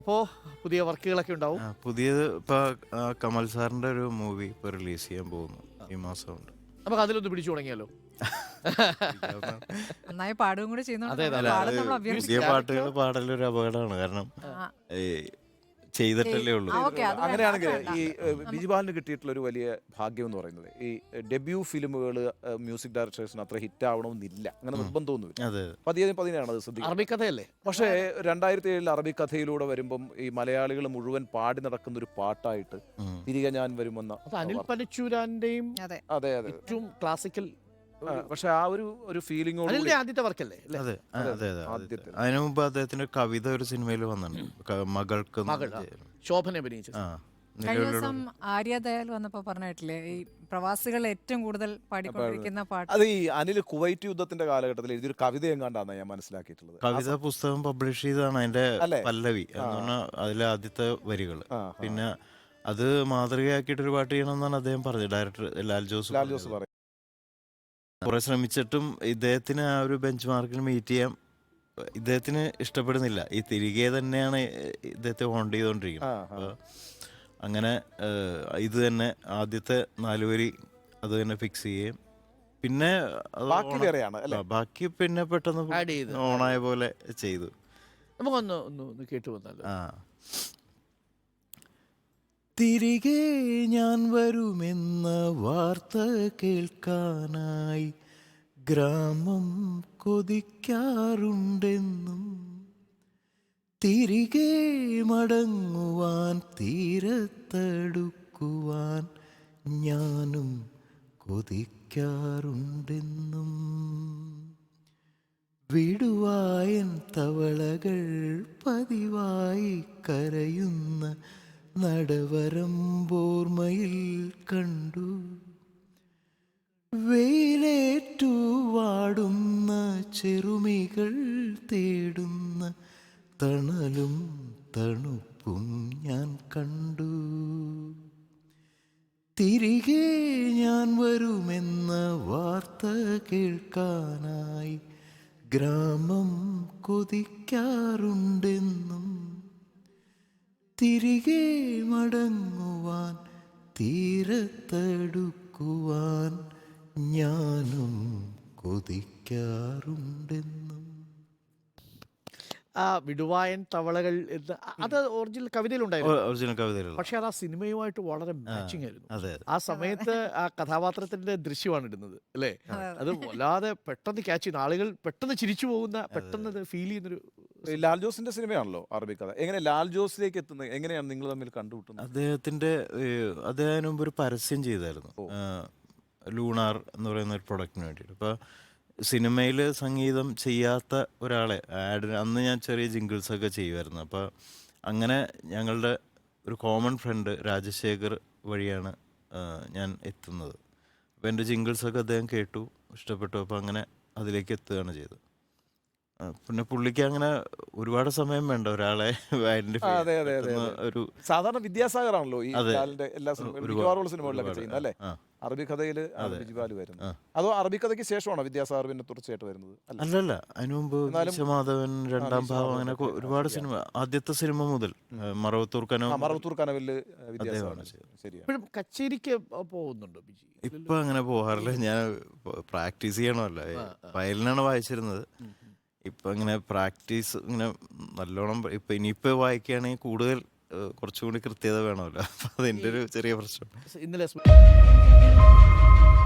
അപ്പോൾ പുതിയ വർക്കുകളൊക്കെ ഉണ്ടാവും. പുതിയത് ഇപ്പൊ കമൽ സാറിന്റെ ഒരു മൂവി ഇപ്പൊ റിലീസ് ചെയ്യാൻ പോകുന്നു ഈ മാസം ഉണ്ട്. നമുക്ക് അതിലൊന്ന് പിടിച്ചു തുടങ്ങിയാലോ? നന്നായി പാടുകയും കൂടി അതെ, ചെയ്യുന്നുണ്ട്. പുതിയ പാട്ടുകൾ പാടലൊരു അപകടമാണ്. കാരണം ഈ ചെയ്തിട്ടല്ലേ ഉള്ളൂ. അങ്ങനെയാണെങ്കിൽ ഈ ബിജുപാലിന് കിട്ടിയിട്ടുള്ള ഒരു വലിയ ഭാഗ്യം എന്ന് പറയുന്നത് ഈ ഡെബ്യൂ ഫിലിമുകൾ മ്യൂസിക് ഡയറക്ടേഴ്സിന് അത്ര ഹിറ്റ് ആവണമെന്നില്ല, അങ്ങനെ നിർബന്ധമൊന്നുമില്ല. പതിനെയാണ് അത് ശ്രദ്ധിക്കുന്നത്. അറബിക്കഥയല്ലേ? പക്ഷേ 2007 അറബി കഥയിലൂടെ വരുമ്പം ഈ മലയാളികൾ മുഴുവൻ പാടി നടക്കുന്ന ഒരു പാട്ടായിട്ട് തിരികെ ഞാൻ വരുമെന്ന അനിൽ പനച്ചൂരാന്റെയും അതെ അതെ ഏറ്റവും ക്ലാസിക്കൽ. പക്ഷെ ആ ഒരു ഫീലിംഗോട് ആദ്യത്തെ വർക്കല്ലേ? അതെ അതെ അതെ. അതിനു മുമ്പ് അദ്ദേഹത്തിന്റെ കവിത ഒരു സിനിമയിൽ വന്നിട്ടുണ്ട്, മകൾക്ക് ശോഭന അഭിനയിച്ചത്. കഴിഞ്ഞ ദിവസം ആര്യ ദയാൽ വന്നപ്പോ പറഞ്ഞിട്ടില്ലേ, ഈ പ്രവാസികൾ ഏറ്റവും കൂടുതൽ പാടിക്കൊണ്ടിരിക്കുന്ന പാട്ട്. അത് ഈ അനിൽ കുവൈറ്റ് യുദ്ധത്തിന്റെ കാലഘട്ടത്തിൽ എഴുതിയൊരു കവിത എങ്ങാണ്ടാണ് ഞാൻ മനസ്സിലാക്കിയിട്ടുള്ളത്. കവിത പുസ്തകം പബ്ലിഷ് ചെയ്താണ് അതിന്റെ പല്ലവി എന്ന് പറഞ്ഞാൽ അതിലെ ആദ്യത്തെ വരികൾ. പിന്നെ അത് മാതൃകയാക്കിയിട്ട് ഒരു പാട്ട് ചെയ്യണമെന്നാണ് അദ്ദേഹം പറഞ്ഞത്, ഡയറക്ടർ ലാൽ ജോസ് പറയും. കുറെ ശ്രമിച്ചിട്ടും ഇദ്ദേഹത്തിന് ആ ഒരു ബെഞ്ച് മാർക്കിന് മീറ്റ് ചെയ്യാൻ ഇദ്ദേഹത്തിന് ഇഷ്ടപ്പെടുന്നില്ല. ഈ തിരികെ തന്നെയാണ് ഇദ്ദേഹത്തെ ഹോണ്ട് ചെയ്തുകൊണ്ടിരിക്കുന്നത്. അപ്പോൾ അങ്ങനെ ഇത് തന്നെ ആദ്യത്തെ 4 വരി അത് തന്നെ ഫിക്സ് ചെയ്യുകയും പിന്നെ ബാക്കി പിന്നെ പെട്ടെന്ന് ഓണായ പോലെ ചെയ്തു. നമുക്കൊന്ന് കേട്ടു വന്നാലോ? തിരികെ ഞാൻ വരുമെന്ന വാർത്ത കേൾക്കാനായി ഗ്രാമം കൊതിക്കാറുണ്ടെന്നും, തിരികെ മടങ്ങുവാൻ തീരത്തടുക്കുവാൻ ഞാനും കൊതിക്കാറുണ്ടെന്നും, വിടുവായൻ തവളകൾ പതിവായി കരയുന്ന നടവരമ്പോർമയിൽ കണ്ടു, വെയിലേറ്റു വാടുന്ന ചെറുമികൾ തേടുന്ന തണലും തണുപ്പും ഞാൻ കണ്ടു, തിരികെ ഞാൻ വരുമെന്ന വാർത്ത കേൾക്കാനായി ഗ്രാമം കൊതിക്കാറുണ്ടെന്നും, തിരികെ മടങ്ങുവാൻ തീരത്തടുക്കുവാൻ ഞാനും കൊതിക്കാറുണ്ടെന്നും. ആ വിടുവായൻ തവളകൾ അത് ഒറിജിനൽ കവിതയിലുണ്ടായിരുന്നു. പക്ഷെ അത് ആ സിനിമയുമായിട്ട് വളരെ മാച്ചിങ് ആയിരുന്നു. ആ സമയത്ത് ആ കഥാപാത്രത്തിന്റെ ദൃശ്യമാണ് ഇടുന്നത് അല്ലേ? അത് വല്ലാതെ പെട്ടെന്ന് ക്യാച്ച് ചെയ്യുന്ന ആളുകൾ പെട്ടെന്ന് ചിരിച്ചു പോകുന്ന, പെട്ടെന്ന് ഫീൽ ചെയ്യുന്നൊരു. ലാൽ ജോസിന്റെ സിനിമയാണല്ലോ അറബി കഥ. എങ്ങനെ ലാൽ ജോസിലേക്ക് എത്തുന്നത്, എങ്ങനെയാണ് നിങ്ങൾ തമ്മിൽ കണ്ടുമുട്ടുന്നത്? അദ്ദേഹത്തിന് മുമ്പ് ഒരു പരസ്യം ചെയ്തായിരുന്നു, ലൂണാർ എന്ന് പറയുന്ന ഒരു പ്രൊഡക്റ്റിന് വേണ്ടിയിട്ട്. അപ്പോൾ സിനിമയിൽ സംഗീതം ചെയ്യാത്ത ഒരാളെ അന്ന് ഞാൻ ചെറിയ ജിങ്കിൾസൊക്കെ ചെയ്യുമായിരുന്നു. അപ്പോൾ അങ്ങനെ ഞങ്ങളുടെ ഒരു കോമൺ ഫ്രണ്ട് രാജശേഖർ വഴിയാണ് ഞാൻ എത്തുന്നത്. അപ്പോൾ എൻ്റെ ജിങ്കിൾസൊക്കെ അദ്ദേഹം കേട്ടു, ഇഷ്ടപ്പെട്ടു. അപ്പോൾ അങ്ങനെ അതിലേക്ക് എത്തുകയാണ് ചെയ്തത്. പിന്നെ പുള്ളിക്ക് അങ്ങനെ ഒരുപാട് സമയം വേണ്ട ഒരാളെ ഒരു സാധാരണ വിദ്യാസാഗർ ആണല്ലോ ഈ എല്ലാ സിനിമകളിലൊക്കെ ചെയ്യുന്നത് അല്ലേ? അറബി കഥയിൽ ബിജുപാൽ വരുന്നത് അതോ അറബി കഥയ്ക്ക് ശേഷമാണോ വിദ്യാസാഗർ പിന്നെ തുടർച്ചയായിട്ട് വരുന്നത്? അല്ലല്ല, അതിനു മുമ്പ് വിശ്വമാധവൻ, രണ്ടാം ഭാവം, അങ്ങനെ ഒരുപാട് സിനിമ, ആദ്യത്തെ സിനിമ മുതൽ മറവത്തൂർ കനവില് ഇപ്പോഴും കച്ചേരിക്ക് പോകുന്നുണ്ടോ ബിജി? ഇപ്പൊ അങ്ങനെ പോകാറില്ല, ഞാൻ പ്രാക്ടീസ് ചെയ്യണമല്ലോ. വയലിനാണ് വായിച്ചിരുന്നത്. ഇപ്പൊ ഇങ്ങനെ പ്രാക്ടീസ് ഇങ്ങനെ നല്ലോണം ഇപ്പൊ ഇനിയിപ്പോ വായിക്കുകയാണെങ്കിൽ കൂടുതൽ കുറച്ചുകൂടി കൃത്യത വേണമല്ലോ. അപ്പൊ അതിന്റെ ഒരു ചെറിയ പ്രശ്നം. ഇന്നലെ